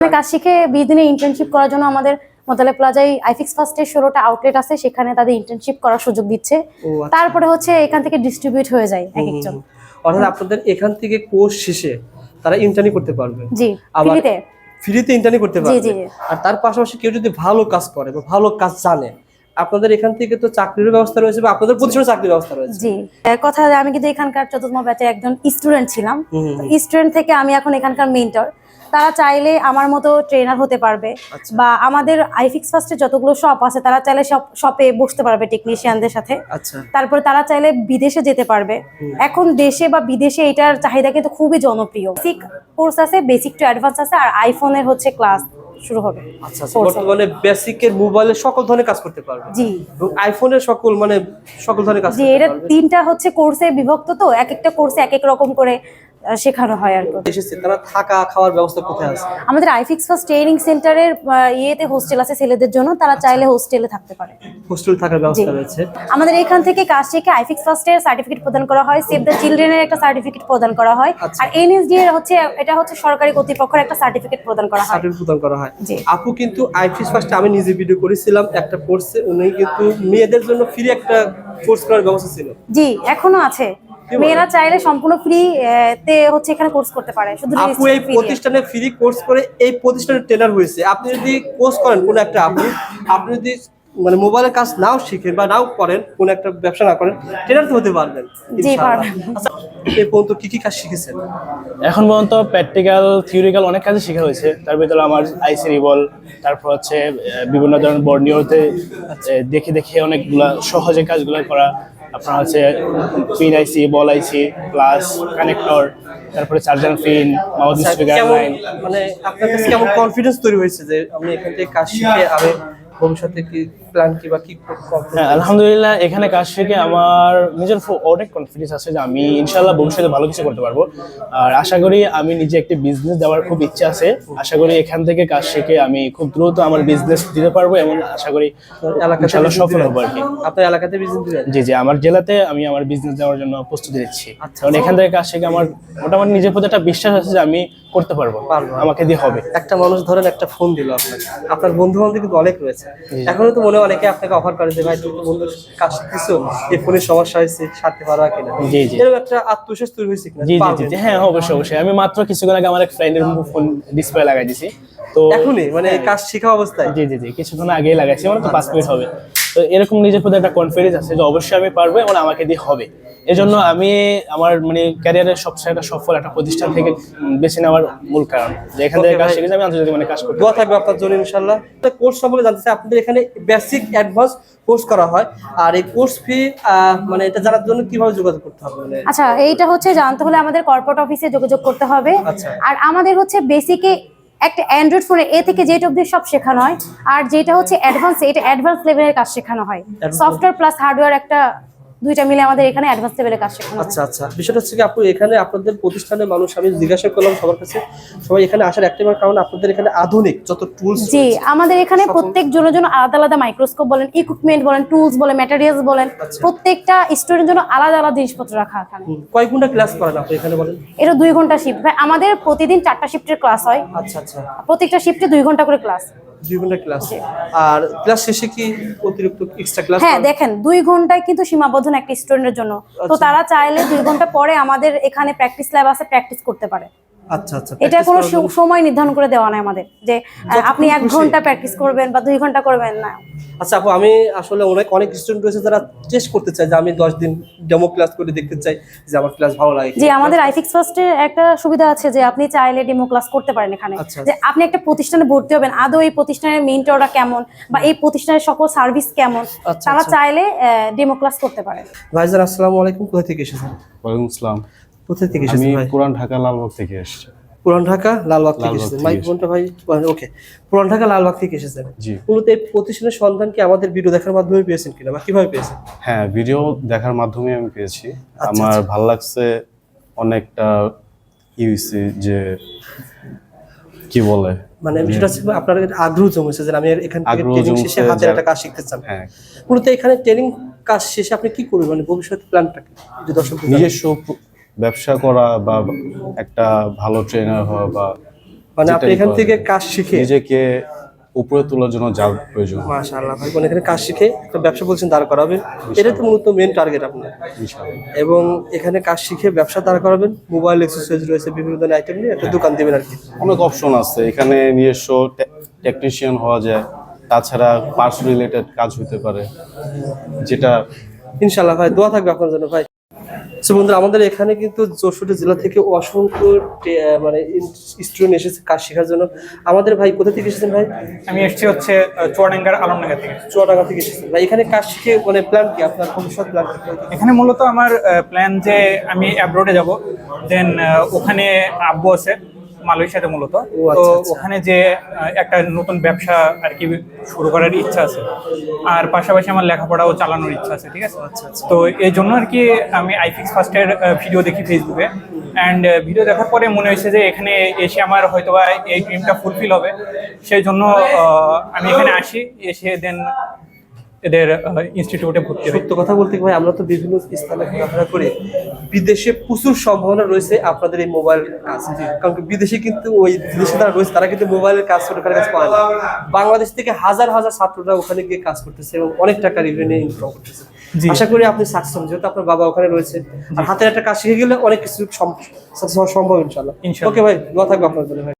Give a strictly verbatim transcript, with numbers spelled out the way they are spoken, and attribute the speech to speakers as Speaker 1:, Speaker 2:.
Speaker 1: কাজ শিখে বিশ দিনে ইন্টার্নশিপ করার জন্য আমাদের মোতালে প্লাজায় আইফিক্স ফার্স্টের ষোলোটা আউটলেট আছে, সেখানে তাদের ইন্টার্নশিপ করার সুযোগ দিচ্ছে। তারপরে হচ্ছে এখান থেকে ডিস্ট্রিবিউট হয়ে যায় এক একজন।
Speaker 2: অর্থাৎ আপনাদের এখান থেকে কোর্স শেষে তারা ইন্টার্নি করতে পারবে।
Speaker 1: জি, ফ্রিতে
Speaker 2: ফ্রিতে ইন্টার্নি করতে পারবে। আর তার পাশাপাশি কেউ যদি ভালো কাজ করে বা ভালো কাজ জানে, আপনাদের এখান থেকে তো চাকরির ব্যবস্থা রয়েছে বা আপনাদের প্রতিষ্ঠানে চাকরির ব্যবস্থা রয়েছে।
Speaker 1: জি, কথা আমি কিন্তু এখানকার চতুর্থ ব্যাচে একজন স্টুডেন্ট ছিলাম। স্টুডেন্ট থেকে আমি এখন এখানকার মেন্টর। তারা চাইলে আমার মতো ট্রেনার হতে পারবে, বা আমাদের আইফিক্স ফার্স্টে যতগুলো শপ আছে তারা চাইলে সব শপে বসতে পারবে টেকনিশিয়ানদের সাথে। তারপরে তারা চাইলে বিদেশে যেতে পারবে। এখন দেশে বা বিদেশে এটার চাহিদা কিন্তু খুবই জনপ্রিয়। বেসিক কোর্স আছে, বেসিক টু অ্যাডভান্স আছে, আর আইফোনের হচ্ছে ক্লাস শুরু হবে।
Speaker 2: আচ্ছা, বর্তমানে বেসিকের মোবাইলে সকল ধরনের কাজ করতে পারবে।
Speaker 1: জি,
Speaker 2: এবং আইফোনের সকল মানে সকল ধরনের কাজ।
Speaker 1: জি, এটা তিনটা হচ্ছে কোর্সে বিভক্ত, তো এক একটা কোর্সে এক এক রকম করে শেখানো হয়। আর
Speaker 2: এসেছে তারা থাকা খাওয়ার ব্যবস্থা কোথায় আছে?
Speaker 1: আমাদের আইফিক্স ফার্স্ট ট্রেনিং সেন্টারের ইয়েতে হোস্টেল আছে ছেলেদের জন্য, তারা চাইলে হোস্টেলে থাকতে পারে।
Speaker 2: হোস্টেল থাকার ব্যবস্থা রয়েছে।
Speaker 1: আমাদের এখান থেকে কাজ শিখে আইফিক্স ফার্স্টের সার্টিফিকেট প্রদান করা হয়, সেভ দ্য চিলড্রেনের একটা সার্টিফিকেট প্রদান করা হয়, আর এনএসডি এর হচ্ছে এটা হচ্ছে সরকারি কর্তৃপক্ষের একটা সার্টিফিকেট প্রদান করা হয়।
Speaker 2: সার্টিফিকেট প্রদান করা হয়। আপু কিন্তু আইফিক্স ফার্স্টে আমি নিজে ভিডিও করেছিলাম একটা কোর্সে, উনি কিন্তু মেয়েদের জন্য ফ্রি একটা কোর্স করার ব্যবস্থা ছিল।
Speaker 1: জি, এখনো আছে। মেয়েরা চাইলে সম্পূর্ণ ফ্রি তে হচ্ছে এখানে কোর্স করতে পারে। শুধু
Speaker 2: আপু এই প্রতিষ্ঠানে ফ্রি কোর্স করে এই প্রতিষ্ঠানের ট্রেনার হয়েছে। আপনি যদি কোর্স করেন কোন একটা আপু, আপনি যদি মানে মোবাইলের কাজ নাও শিখেন বা নাও করেন, কোন একটা ব্যবসা না করেন, ট্রেনার তো হতে পারবেন।
Speaker 1: জি, পারবেন।
Speaker 2: আচ্ছা, এই পর্যন্ত কি কি কাজ শিখেছেন?
Speaker 3: এখন পর্যন্ত প্র্যাকটিক্যাল থিওরিক্যাল অনেক কাজই শেখা হয়েছে। তার ভিতরে আমার আইসি রিবল, তারপর হচ্ছে বিভিন্ন ধরনের বর্নিওতে দেখে দেখে অনেকগুলা সহজে কাজগুলো করা। আপনার হচ্ছে pin IC, ball IC, plus connector, তারপরে charger pin, mouse speaker line.
Speaker 2: মানে আপনার কাছে কেমন কনফিডেন্স তৈরি হয়েছে যে আমি এখান থেকে কাজ শিখে আমি ভবিষ্যতে কি প্ল্যান কি বা কি করব?
Speaker 3: হ্যাঁ, আলহামদুলিল্লাহ এখানে কাজ শিখে আমার নিজের অনেক কনফিডেন্স আছে যে আমি ইনশাআল্লাহ ভবিষ্যতে ভালো কিছু করতে পারবো। আর আশা করি আমি নিজে একটি বিজনেস দেওয়ার খুব ইচ্ছা আছে। আশা করি এখান থেকে কাজ শিখে আমি খুব দ্রুত আমার বিজনেস দিতে পারবো এবং আশা করি এলাকাতে সফল হবো আর কি।
Speaker 2: আপনার এলাকাতে বিজনেস দিবেন?
Speaker 3: জি জি, আমার জেলাতে আমি আমার বিজনেস দেওয়ার জন্য প্রস্তুতি নিচ্ছি। কারণ এখান থেকে কাজ শিখে আমার মোটামুটি নিজের প্রতি একটা বিশ্বাস আছে যে আমি করতে পারবো, আমাকে দিয়ে হবে।
Speaker 2: একটা মানুষ ধরেন একটা ফোন দিল আপনাকে, আপনার বন্ধু বান্ধব কিন্তু অনেক রয়েছে, এখনো তো মনে অনেকে আপনাকে অফার করে যে ভাই তুমি তো বন্ধুর কাজ শিখতেছো, এই ফোনের সমস্যা হয়েছে, সারতে পারো কিনা?
Speaker 3: জি জি,
Speaker 2: এরকম একটা আত্মবিশ্বাস তৈরি হয়েছে কিনা?
Speaker 3: জি জি জি, হ্যাঁ অবশ্যই অবশ্যই। আমি মাত্র কিছুক্ষণ আগে আমার এক ফ্রেন্ডের ফোন ডিসপ্লে লাগাই দিছি, তো
Speaker 2: এখনই মানে কাজ শেখা অবস্থায়?
Speaker 3: জি জি জি, কিছুক্ষণ আগেই লাগাইছি, মানে তো পাঁচ মিনিট হবে। তো এরকম নিজের প্রতি একটা কনফিডেন্স আছে যে অবশ্যই আমি পারবো এবং আমাকে দিয়ে হবে। এজন্য আমি আমার মানে ক্যারিয়ারের সবচেয়ে একটা সফল একটা প্রতিষ্ঠান থেকে বেছে নেওয়ার মূল কারণ যে এখান থেকে কাজ শিখে আমি আন্তর্জাতিক মানে কাজ করতে।
Speaker 2: দোয়া থাকবে আপনার জন্য ইনশাআল্লাহ। কোর্স সম্পর্কে জানতে চাই, আপনাদের এখানে বেসিক অ্যাডভান্স কোর্স করা হয়, আর এই কোর্স ফি মানে এটা জানার জন্য কিভাবে যোগাযোগ করতে হবে?
Speaker 1: আচ্ছা, এইটা হচ্ছে জানতে হলে আমাদের কর্পোরেট অফিসে যোগাযোগ করতে হবে। আর আমাদের হচ্ছে বেসিকে একটা অ্যান্ড্রয়েড ফোনে এ থেকে জেড অবধি সব শেখানো হয়, আর যেটা হচ্ছে অ্যাডভান্স, এটা অ্যাডভান্স লেভেলের কাজ শেখানো হয়। সফটওয়্যার প্লাস হার্ডওয়্যার একটা দুইটা মিলে আমাদের এখানে অ্যাডভান্স লেভেলের কাজ শেখানো হয়।
Speaker 2: আচ্ছা আচ্ছা, বিষয়টা হচ্ছে কি আপু এখানে আপনাদের প্রতিষ্ঠানের মানুষ, আমি জিজ্ঞাসা করলাম সবার কাছে, সবাই এখানে আসার একটাই কারণ আপনাদের এখানে আধুনিক যত টুলস।
Speaker 1: জি, আমাদের এখানে প্রত্যেক জনের জন্য আলাদা আলাদা মাইক্রোস্কোপ বলেন, ইকুইপমেন্ট বলেন, টুলস বলেন, ম্যাটেরিয়ালস বলেন, প্রত্যেকটা স্টুডেন্টের জন্য আলাদা আলাদা জিনিসপত্র রাখা এখানে।
Speaker 2: কয় ঘন্টা ক্লাস করেন আপনি এখানে বলেন?
Speaker 1: এটা দুই ঘন্টা শিফট। আমাদের প্রতিদিন চারটা শিফটের ক্লাস হয়।
Speaker 2: আচ্ছা আচ্ছা,
Speaker 1: প্রত্যেকটা শিফটে দুই ঘন্টা করে ক্লাস।
Speaker 2: দুই ঘন্টা ক্লাস। আর ক্লাস শেষে কি অতিরিক্ত এক্সট্রা ক্লাস?
Speaker 1: হ্যাঁ, দেখেন দুই ঘন্টায় কিন্তু সীমাবদ্ধ না একটা স্টুডেন্টের জন্য, তো তারা চাইলে দুই ঘন্টা পরে আমাদের এখানে প্র্যাকটিস ল্যাব আছে, প্র্যাকটিস করতে পারে।
Speaker 2: আচ্ছা আচ্ছা,
Speaker 1: এটা কোনো সময় নির্ধারণ করে দেওয়া নাই আমাদের যে আপনি এক ঘন্টা প্র্যাকটিস করবেন বা দুই ঘন্টা করবেন না।
Speaker 2: আচ্ছা আপু, আমি আসলে অনেক অনেক স্টুডেন্ট রয়েছে যারা টেস্ট করতে চায় যে আমি দশ দিন ডেমো ক্লাস করে দেখতে চাই যে আমার ক্লাস ভালো লাগে।
Speaker 1: জি, আমাদের আইফিক্স ফার্স্টে একটা সুবিধা আছে যে আপনি চাইলে ডেমো ক্লাস করতে পারেন এখানে, যে আপনি একটা প্রতিষ্ঠানে ভর্তি হবেন, আদৌ এই প্রতিষ্ঠানের মেন্টররা কেমন বা এই প্রতিষ্ঠানের সকল সার্ভিস কেমন, তারা চাইলে ডেমো ক্লাস করতে পারে।
Speaker 2: ভাইজান আসসালামু আলাইকুম, কোথা থেকে এসেছেন?
Speaker 4: ওয়ালাইকুম আসসালাম।
Speaker 2: কোথা থেকে এসেছেন?
Speaker 4: আমি পুরান ঢাকা লালবাগ থেকে এসেছি।
Speaker 2: পুরান ঢাকা লালবাগ থেকে এসেছেন? মাইক বোনটা ভাই, ওকে, পুরান ঢাকা লালবাগ থেকে এসেছেন।
Speaker 4: জি।
Speaker 2: মূলত এই প্রতিষ্ঠানের সন্ধান কি আমাদের ভিডিও দেখার মাধ্যমে পেয়েছেন কিনা বা কিভাবে পেয়েছেন?
Speaker 4: হ্যাঁ, ভিডিও দেখার মাধ্যমে আমি পেয়েছি। আমার ভালো লাগছে অনেকটা ইউসি যে কি বলে
Speaker 2: মানে বিষয়টা হচ্ছে আপনার আগ্রহ জমেছে যে আমি এখান থেকে ট্রেনিং শেষে হাতের একটা কাজ শিখতে চান।
Speaker 4: হ্যাঁ,
Speaker 2: মূলত এখানে ট্রেনিং কাজ শেষে আপনি কি করবেন, মানে ভবিষ্যৎ প্ল্যানটা কি যদি দর্শকদের?
Speaker 4: নিজস্ব ব্যবসা করা বা একটা ভালো ট্রেনার হওয়া বা
Speaker 2: মানে আপনি
Speaker 4: যেটাই
Speaker 2: এখান
Speaker 4: করা
Speaker 2: থেকে
Speaker 4: যায়।
Speaker 2: কাজ শিখে
Speaker 4: নিজেকে উপরে তোলার জন্য যা প্রয়োজন
Speaker 2: মাশাআল্লাহ ভাই, মানে এখানে কাজ শিখে একটা ব্যবসা বলছেন দাঁড় করাবেন, এটা তো মূলত মেন টার্গেট আপনার।
Speaker 4: ইনশাআল্লাহ।
Speaker 2: এবং এখানে কাজ শিখে ব্যবসা দাঁড় করাবেন, মোবাইল এক্সেসরিজ রয়েছে, বিভিন্ন ধরনের আইটেম নিয়ে একটা দোকান দিবেন আর কি।
Speaker 4: অনেক অপশন আছে এখানে, নিজস্ব টেকনিশিয়ান হওয়া যায়, তাছাড়া পার্টস রিলেটেড কাজ হতে পারে, যেটা
Speaker 2: ইনশাআল্লাহ ভাই, দোয়া থাকবে আপনার জন্য ভাই। সো বন্ধুরা, আমাদের এখানে কিন্তু চৌষট্টি জেলা থেকে অসংখ্য টে- মানে স্টুডেন্ট এসেছে কাজ শেখার জন্য। আমাদের ভাই কোথা থেকে এসেছেন ভাই?
Speaker 5: আমি এসেছি হচ্ছে আহ, চুয়াডাঙ্গার আলমডাঙ্গা থেকে।
Speaker 2: চুয়াডাঙ্গা থেকে এসেছেন ভাই। এখানে কাজ শিখে মানে প্ল্যান কি আপনার, ভবিষ্যৎ প্ল্যান?
Speaker 5: এখানে মূলত আমার প্ল্যান যে আমি অ্যাব্রোডে যাব, দেন ওখানে আব্বু আছে মালয়েশিয়াতে মূলত,
Speaker 2: ও
Speaker 5: তো
Speaker 2: আচ্ছা, আচ্ছা।
Speaker 5: ওখানে যে আহ, একটা নতুন ব্যবসা আর কি শুরু করার ইচ্ছা আছে, আর পাশাপাশি আমার লেখাপড়াও চালানোর ইচ্ছা আছে, ঠিক আছে। তো এই জন্য আর কি আমি আইফিক্স ফার্স্টের ভিডিও দেখি ফেসবুকে, অ্যান্ড ভিডিও দেখার পরে মনে হয়েছে যে এখানে এসে আমার হয়তোবা এই ড্রিমটা ফুলফিল হবে, সেই জন্য আহ, আমি এখানে আসি, এসে দেন এদের ইনস্টিটিউটে ভর্তি হই।
Speaker 2: সত্য কথা বলতে কি ভাই, আমরা তো বিভিন্ন স্থানে ঘোরাফেরা করে, বিদেশে প্রচুর সম্ভাবনা রয়েছে আপনাদের এই মোবাইল কাজ। কারণ কি বিদেশে কিন্তু ওই বিদেশে যারা রয়েছে তারা কিন্তু মোবাইলের কাজ ছোটখাটো কাজ করে না। বাংলাদেশ থেকে হাজার হাজার ছাত্ররা ওখানে গিয়ে কাজ করতেছে এবং অনেক টাকা রেভিনিউ ইনকাম করতেছে।
Speaker 5: জি।
Speaker 2: আশা করি আপনি সাকসেস হবেন, যেহেতু আপনার বাবা ওখানে রয়েছে, আর হাতের একটা কাজ শিখে গেলে অনেক কিছু সাকসেস হওয়া সম্ভব ইনশাআল্লাহ।
Speaker 5: ইনশাআল্লাহ।
Speaker 2: ওকে ভাই, দোয়া থাকবে আপনার জন্য ভাই।